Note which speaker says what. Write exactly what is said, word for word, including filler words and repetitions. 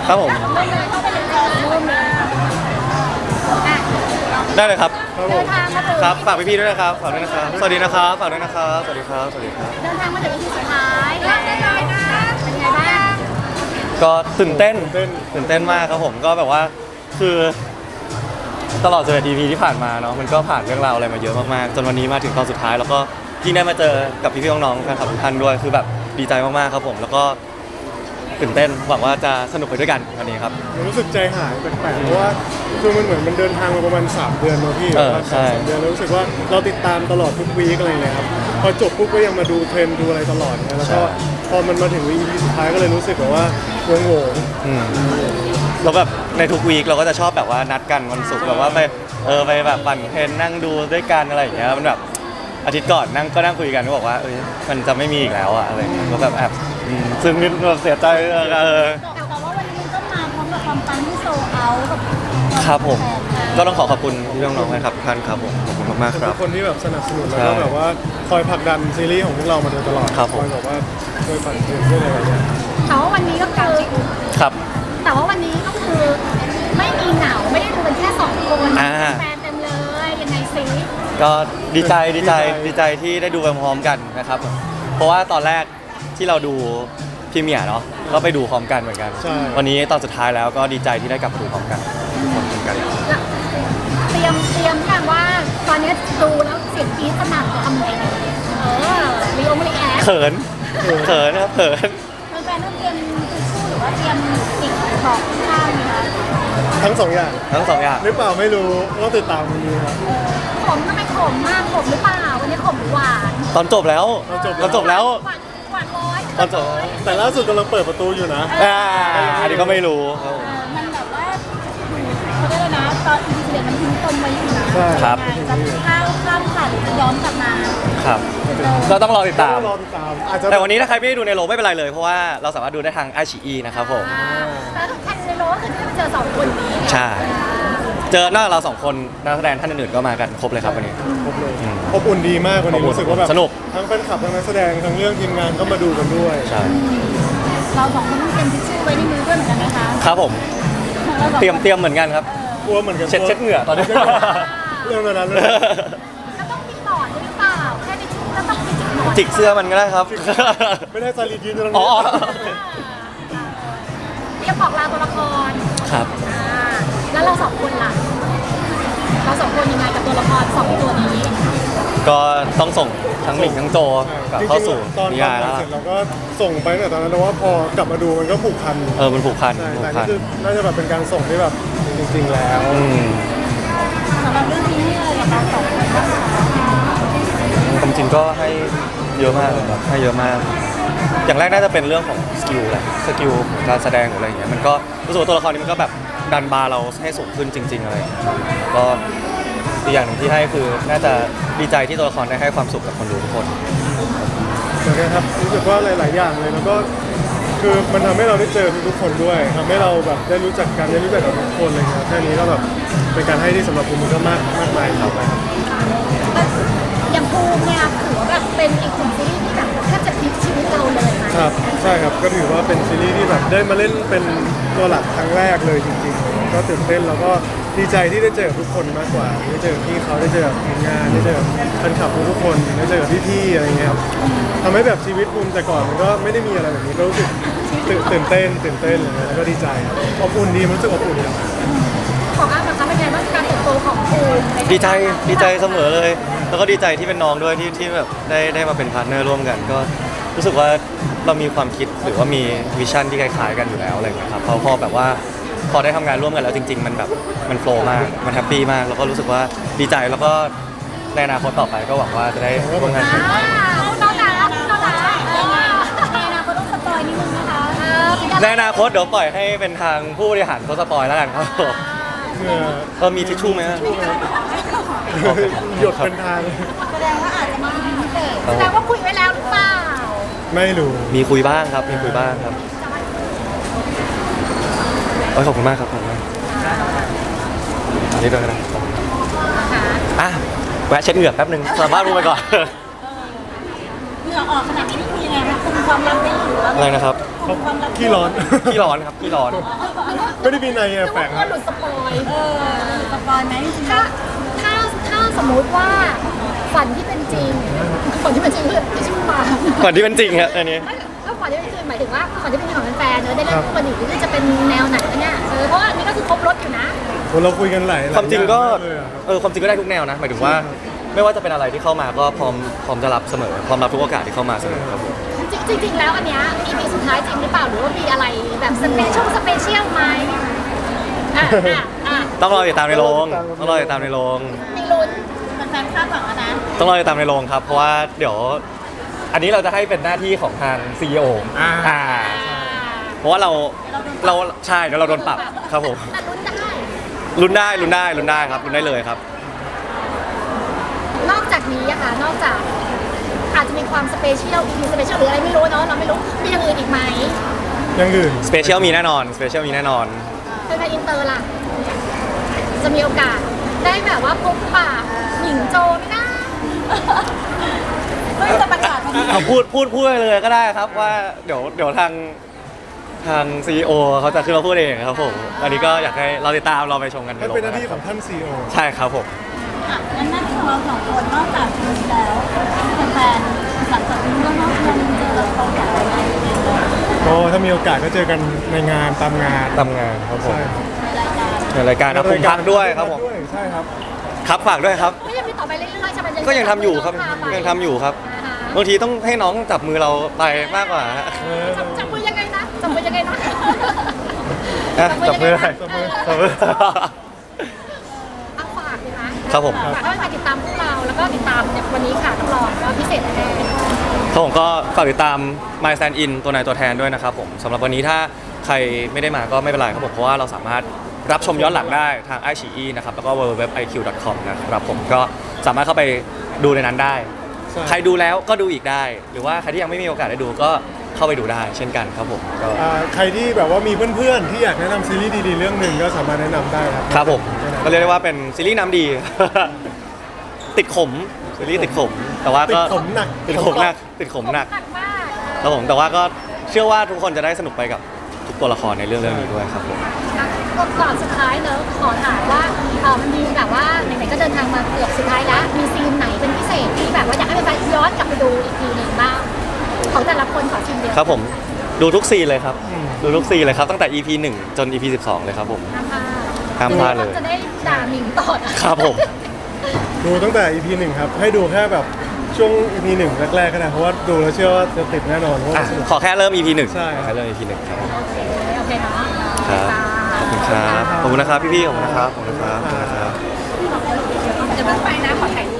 Speaker 1: ครับผมได้เลยครับ
Speaker 2: เดินทางมาถึง
Speaker 1: ครับฝากพี่ๆด้วยนะครับฝากด้วยนะครับสวัสดีนะครับฝากด้วยนะครับสวัสดีครับสวัสดีครับ
Speaker 2: เดินทางมาถึง อี พี สุดท้ายแล้วเป็นไงบ้าง
Speaker 1: ก็ตื่นเต้น
Speaker 3: ตื่นเต้น
Speaker 1: ตื่นเต้นมากครับผมก็แบบว่าคือตลอดสิบเอ็ด อี พี ที่ผ่านมาเนาะมันก็ผ่านเรื่องราวอะไรมาเยอะมากๆจนวันนี้มาถึงตอนสุดท้ายแล้วก็ยิ่งได้มาเจอกับพี่ๆน้องๆแฟนคลับทุกท่านด้วยคือแบบดีใจมากๆครับผมแล้วก็ตื่นเต้นหวังว่าจะสนุกไปด้วยกันวันนี้ครับ
Speaker 3: รู้สึกใจหายแปลกๆเพราะว่าคือมันเหมือนมันเดินทางมาประมาณสามเดือนเนาะพี่
Speaker 1: เออใช่
Speaker 3: สามเดือนแล้วรู้สึกว่าเราติดตามตลอดทุกวีคอะไรเลยครับพอจบปุ๊บก็ยังมาดูเทรนด์ดูอะไรตลอดเนี่ยแล้วก็พอมันมาถึง อี พี สุดท้ายก็เลยรู้สึกแบบว่าวงโหวง
Speaker 1: อืมแล้วแบบในทุกวีคเราก็จะชอบแบบว่านัดกันวันศุกร์แบบว่าไปเออไปแบบปั่นเทรนนั่งดูด้วยกันอะไรอย่างเงี้ยมันแบบอาทิตย์ก่อนนั่งก็นั่งคุยกันก็บอกว่าเอ้ยมันจะไม่มีอีกแล้วอะอะไรเงี้ยก็แบบแอบอืมซึ่งนิดแบบเสียใจเออเออ
Speaker 2: แต่ว่าวันนี้ก็มาพร้อมกับความปังที่โซลเอาท์กับ
Speaker 1: ครับผมก็ต้องขอขอบคุณพี่น้องๆนะครับทุกท่านครับผมขอบคุณมากๆค
Speaker 3: ทุ
Speaker 1: รับ
Speaker 3: กคนที่แบบสนับสนุนแล้ว
Speaker 1: ใช่
Speaker 3: ก็แบบว่าคอยผลักดันซีรีส์ของพวกเรามาโดยตลอด
Speaker 1: ครับผม
Speaker 3: คอยแบบว่าช่วยปั่นเทรนด้วยอะไรอย่างเงี้ย
Speaker 2: แต่ว่าวันนี้ก็คือ
Speaker 1: ครับ
Speaker 2: แต่ว่าวันนี้ก็คือไม่มีเหงาไม่ได้ดูกันแค่สองคน
Speaker 1: อ่า
Speaker 2: แฟนเต็มเลยยังไงซิ
Speaker 1: ก็ดีใจดีใจดีใจที่ได้ดูไปพร้อมกันนะครับเพราะว่าตอนแรกที่เราดูพรีเมียร์เนาะก็ไปดูพร้อมกันเหมือนกัน
Speaker 3: ใช่
Speaker 1: วันนี้ตอนสุดท้ายแล้วก็ดีใจที่ได้กลับมาดูพร้อมกันพร้อมกัน
Speaker 2: แล้วเตรียมเตรียมกันว่าตอนนี้ดูแล้วเสียงกรี๊ดสนั่นจะทำยังไงดีเออรีโอมรีแอค
Speaker 1: เขินเขินนะครับเขิน
Speaker 2: แฟนๆต้องเตรียมทิชชู่หรือว่าเตรียมอีกบอกข้างไหมคะ
Speaker 3: ทั้งสองอย่าง
Speaker 1: ทั้งสองอย่าง
Speaker 3: หรือเปล่าไม่รู้ต้องติดตามกันดูครับ
Speaker 2: ขมทำไมขมมากขมหรือเปล่าวันนี้ขมหรือหวาน
Speaker 1: ตอนจบแล้ว
Speaker 3: ตอนจบแล้ว
Speaker 1: ตอนจบแล้ว
Speaker 2: หวานหวานร้อย
Speaker 1: ตอนจบ
Speaker 3: แต่ล่าสุดกำลังเปิดประตูอยู่นะ
Speaker 1: อ่าอันนี้ก็ไม่รู้ครับผม
Speaker 2: เออมันแบบว่าเขาเรียกอะไรนะตอนอีพีสิบเอ็ดมันทิ้งปมไว้อยู่นะ
Speaker 3: ใช่
Speaker 1: ครับ
Speaker 2: จะข้ามข้ามผ่านหรือจะย้อนกลับมา
Speaker 1: ครับก็ต้องรอติดตาม
Speaker 3: รอติดตามอาจจะ
Speaker 1: แต่วันนี้ถ้าใครไม่ได้ดูในโรงไม่เป็นไรเลย เพราะว่าเราสามารถดูได้ทางไอชีอีนะครับผม
Speaker 2: อ่าแล้วทุกท่านในโลกก็คือที่ไปเจอสองคนนี้ไง
Speaker 1: ใช่ เจอนอกจากเราสองคนนักแสดงท่านอื่นๆก็มากันครบเลยครับวันนี้
Speaker 3: ครบเลย
Speaker 1: อืม
Speaker 3: อบอุ่นดีมากวันนี้
Speaker 1: อบอุ่น
Speaker 3: รู้สึกว่าแบบ
Speaker 1: สนุก
Speaker 3: ทั้งแฟนคลับทั้งนักแสดงทั้งเรื่องทีมงานก็มาดูกันด้วย
Speaker 1: ใช่
Speaker 2: เราสองคนต้องเตรียมทิชชู่ไว้ในมือด้วยเหมือนกันนะคะ
Speaker 1: ครับผม
Speaker 2: ราสองคน
Speaker 1: เตรียมเตรียมเหมือนกันครับ
Speaker 3: กลัวเหมือนกัน
Speaker 1: เช็ดเช็ดเหงื่อตอนนี้
Speaker 3: เรื่องนั้นเลย
Speaker 2: แล้วต้องมีหมอนด้วยหรือเปล่าแค่ทิชชู่แล้วต้องมีจิกหมอน
Speaker 1: จิกเสื้อมันก็ได้ครับ
Speaker 3: ไม่ได้ซาลียืนอยู่ตรง
Speaker 1: อ๋
Speaker 3: นี้
Speaker 1: อ
Speaker 2: เตรียมบอกลาตัวละคร
Speaker 1: ครับ
Speaker 2: อ่าแล้วเราสองคนล่ะ เราสองคนยังไงกับตัวละครสองตัวนี้
Speaker 1: ก็ต้องส่งทั้งหมิงทั้งโจกลับเข้าสู่
Speaker 3: ตอน
Speaker 1: นิ
Speaker 3: ตอน
Speaker 1: ยายแล้ว
Speaker 3: เสร็จเราก็ส่งไปตั้งแต่ตอนนั้นแล้วว่าพอกลับมาดูมันก็ผูกพัน
Speaker 1: เออมันผูกพัน
Speaker 3: ใช่
Speaker 1: ผู
Speaker 3: แต่
Speaker 1: กพั
Speaker 3: นี่
Speaker 1: น
Speaker 3: คือน่าจะแบบเป็นการส่งที่แบบจริงๆแล้ว
Speaker 1: อืม
Speaker 2: สำหรับเรื่องนี้เลยกับเราสองคนบ้างคะ
Speaker 1: ความจริงก็ให้เยอะมากเลยครับให้เยอะมาก อย่างแรกน่าจะเป็นเรื่องของสกิลแหละสกิลการแสดงหรืออะไรอย่างเงี้ยมันก็รู้สึกว่าตัวละครนี้มันก็แบบดันบาร์เราให้สูงขึ้นจริง ๆอะไรอย่างเงี้ยก็อีกอย่างหนึ่งที่ให้คือน่าจะดีใจที่ตัวละครได้ให้ความสุขกับคนดูทุกคน
Speaker 3: เหมือนกันครับรู้สึกว่าหลาย ๆ อย่างเลยแล้วก็คือมันทำให้เราได้เจอทุกๆคนด้วยทำให้เราแบบได้รู้จักกันได้รู้จักกับทุกคนเลยครับแค่นี้ก็แบบเป็นการให้ที่สำหรับผมมันก็มากมากมายครับ
Speaker 2: อย่างภูมิเนี่ยถือว่าแบบเป็นอีกหนึ่งซีรีส์ที่แบบแทบจะพลิกชีวิตเราเลยไหม
Speaker 3: ครับใช่ครับก็ถือว่าเป็นซีรีส์ที่แบบได้มาเล่นเป็นตัวหลักครั้งแรกเลยจริงๆก็ตื่นเต้นแล้วก็ดีใจที่ได้เจอกับทุกคนมากกว่าได้เจอพี่เขาได้เจอกับทีมงานได้เจอกับแฟนคลับทุกๆคนได้เจอกับพี่ๆอะไรเงี้ยครับทำให้แบบชีวิตภูมิแต่ก่อนมันก็ไม่ได้มีอะไรแบบนี้ก็รู้สึกตื่นตื่นเต้นตื่นเต้นอะไรเงี้ยแล้วก็ดีใจครับอบอุ่นดีมันรู้สึกอบอุ่นครับ
Speaker 2: ของอ้ำนะคะเป็นไงบ้างการเติบโตของภูมิใน
Speaker 1: ดีใจดีใจเสมอเลย แล้วก็ดีใจที่เป็นน้องด้วยที่ที่แบบได้ได้มาเป็นพาร์ทเนอร์ร่วมกัน ก็รู้สึกว่าเรามีความคิดหรือว่ามีวิชั่นที่คล้ายๆกันอยู่แล้วอะไรอย่างเงี้ยครับพอพอแบบว่าพอได้ทำงานร่วมกันแล้วจริง ๆ มันแบบมันโฟล์มากมันแฮปปี้มากแล้วก็รู้สึกว่าดีใจแล้วก็ในอนาคตต่อไปก็หวังว่าจะได้ร่วมงานกัน
Speaker 2: อ่าน้องหนาน้องหนาเออในอนาคตต้องสปอยนิดนึงนะคะเออเป็น
Speaker 1: ในอนาคตเดี๋ยวปล่อยให้เป็นทางผู้บริหารเขาสปอยแล้วกันครับผม
Speaker 3: เหงื่อ
Speaker 1: เออมีทิชชู่ไหมฮะ
Speaker 3: หยดเป็นทาง
Speaker 2: แสดงว่าอาจจะมีพิเศษแสดงว่าคุยไว้แล้วหรือเปล่า
Speaker 3: ไม่รู้
Speaker 1: มีคุยบ้างครับมีคุยบ้างครับโอ้ยขอบคุณมากครับขอบคุณมากอันนี้ด้วยกันนะขอบคุณอ่ะแวะเช็ดเหงื่อแป๊บหนึงสามารถรู้ไปก่อน
Speaker 2: เหงื่อออกขนาดนี้นี่คือยังไงคะคุณความลับไม่หรือว่า
Speaker 1: อะไรนะครับ
Speaker 3: เขาขี้ร้อน
Speaker 1: ขี้ร้อนครับขี้ร้อน
Speaker 3: ไม่ได้มีในแฝง
Speaker 2: ก็หลุดสปอยเออสปอยไหมถ้าถ้าถ้าสมมุติว่าฝันที่เป็นจริงฝันที่เป็นจริงคือที่ชื่อมา
Speaker 1: ก่อนที่เป็นจริงครับอันนี้
Speaker 2: ไม่ก็ฝันที่เป็นจริงหมายถึงว่าฝันที่เป็นจริงของแฟนๆเนอะได้เล่นคู่กันอีกนี่จะเป็นแนวไหนเนี่ยเออเพราะว่าอันนี้ก็คือครบรถอยู่นะ
Speaker 3: เราคุยกันหลายหลย
Speaker 1: ความจริงก็
Speaker 3: อย่าเลยอะครับ
Speaker 1: เออความจริงก็ได้ทุกแนวนะหมายถึงว่าไม่ว่าจะเป็นอะไรที่เข้ามาก็พร้อมพร้อมจะรับเสมอพร้อมรับทุกโอกาสที่เข้ามาเสมอครับผม
Speaker 2: จริงจริงๆแล้วอันเนี้ย อี พี สุดท้ายจริงหรือเปล่าหรือว่ามีอะไรแบบสเปเชียลสเปเชียลไหมอ่ะอ่ะอ่ะ
Speaker 1: ต้องรอติดตามในโรงต้องรอติดตามในโรง
Speaker 2: มีลุ้นแฟนๆคาดหวังแล้วนะ
Speaker 1: ต้องรอติดตามในโรงครับ เพราะว่าเดี๋ยว อันนี้เราจะให้เป็นหน้าที่ของทาง ซี อี โอ
Speaker 3: อ่า
Speaker 1: อ่าเพราะว่าเราเราใช่เดี๋ยวเราโดนปรับครับผม
Speaker 2: แต่ลุ้นได้
Speaker 1: ลุ้นได้ลุ้นได้ลุ้นได้ครับลุ้นได้เลยครับ
Speaker 2: นอกจากนี้อะค่ะนอกจากอาจจะมีความสเปเชียล อี พี สเปเชียลหรืออะไรไม่รู้เนาะเราไม่รู้มีอย่างอื่นอีกไหม
Speaker 3: อยังอื่น
Speaker 1: สเปเชียลมีแน่นอนสเปเชียลมีแน่นอน
Speaker 2: เป็นการอินเตอร์ล่ะจะมีโอกาสได้แบบว่าพบปะหญิงโจไหมนะไม่จะประกาศ
Speaker 1: เอาพูดพูดพูดไปเลยก็ได้ครับว่าเดี๋ยวเดี๋ยวทางทาง ซี อี โอ เขาจะขึ้นมาพูดเองครับผมอันนี้ก็อยากให้เราติดตามเราไปชมกัน
Speaker 3: นั่นเป็นหน้าที่ของท่านซีโอ
Speaker 1: ใช่ครับผม
Speaker 4: งั้นหน้าที่ของเราสองคนนอกจากดูแล้วแฟนๆหลังจากนี้ก็นอกจากเจอเราอยากอะไร
Speaker 3: ก็ถ้ามีโอกาสก็เจอกันในงานตามงาน
Speaker 1: ทำงานครับผม
Speaker 3: ใช่ครับ
Speaker 1: ในรายการครับผมพักด้วยครับผม
Speaker 3: ใช่ครับ
Speaker 1: ครับฝากด้วยครับ
Speaker 2: ไม่ยังมีต่อไปเรื่อยๆใช่ไหม
Speaker 1: ก็ยังทำอยู่ครับยังทำอยู่ครับบางทีต้องให้น้องจับมือเราไปมากกว่าฮะ
Speaker 3: เออ
Speaker 2: จับจับมือยังไงนะจับมือยังไงนะ
Speaker 1: อ่ะจับมือได้
Speaker 3: จับมือ
Speaker 1: จับมือ
Speaker 2: เอาฝากเลยนะครับ
Speaker 1: ผม
Speaker 2: ฝากให้มาติดตามพวกเราแล้วก็ติดตามในวันนี้ค่ะต้องรองว่าพิเศษแน่
Speaker 1: ครับผมก็ฝากติดตาม My Stand In ตัวนายตัวแทนด้วยนะครับผมสำหรับวันนี้ถ้าใครไม่ได้มาก็ไม่เป็นไรครับผมเพราะว่าเราสามารถรับชมย้อนหลังได้ทาง ไอ ซี อี นะครับแล้วก็ ดับเบิลยู ดับเบิลยู ดับเบิลยู ดอท ไอ คิว ดอท คอม นะครับผมก็สามารถเข้าไปดูในนั้นได้
Speaker 3: ใช่
Speaker 1: ใครดูแล้วก็ดูอีกได้ หรือว่าใครที่ยังไม่มีโอกาสได้ดูก็เข้าไปดูได้เช่นกันครับผมก็
Speaker 3: อ่าใครที่แบบว่ามีเพื่อนๆที่อยากแนะนำซีรีส์ดีๆเรื่องหนึ่งก็สามารถแนะนำได้ครับ
Speaker 1: ครับผมก็เรียกได้ว่าเป็นซีรีส์น้ำดี ติดขมซีรีส์ติดขม แต่ว่า
Speaker 3: ติ
Speaker 1: ก็
Speaker 3: ดขมหนัก
Speaker 1: ติดขมหนักติดขมหนัก
Speaker 2: หนักมาก
Speaker 1: ครับผมแต่ว่าก็เชื่อว่าทุกคนจะได้สนุกไปกับทุกตัวละครในเรื่องเรื่องนี้ด้วยครับผม
Speaker 2: ก่อนสุดท้ายเนอะขอถามว่าเออมันมีแบบว่าไหนๆก็เดินทางมาเกือบสุดท้ายแล้วมีซีนไหนเป็นพิเศษที่แบบว่าอยากให้แฟนๆย้อนกลับไปดูอีกทีหนึ่งบ้างของแต่ละคนขอชิมเดียว
Speaker 1: ครับผมดูทุกซีนเลยครับ
Speaker 3: อืม
Speaker 1: ดูทุกซีนเลยครับตั้งแต่ อี พี หนึ่งจน อี พี สิบสองเลยครับผม
Speaker 2: ห้ามพลาด
Speaker 1: ห้ามพลาดเลย
Speaker 2: จะได้ด่าหมิงต่อนะครับ
Speaker 1: ผม
Speaker 3: ดูตั้งแต่ อี พี หนึ่งครับ ให้ดูแค่แบบช่วง อี พี หนึ่งแรกๆก็ได้เพราะว่าดูแล้วเชื่อว่าจะติดแน่นอนเพราะ
Speaker 1: อ่ะ
Speaker 3: ว่าสนุก
Speaker 1: ขอแค่เริ่ม อี พี หนึ่ง
Speaker 3: ใช่
Speaker 1: ขอแค่เริ่ม อี พี หนึ่งครับ
Speaker 2: โอเคโอเคเนาะ
Speaker 1: ครับขอบคุณครับขอบคุณนะครับพี่ๆขอบคุณนะครับขอบคุณนะครับขอบคุณนะครับ
Speaker 2: เดี๋ยวมันไปนะขอถ่ายรูป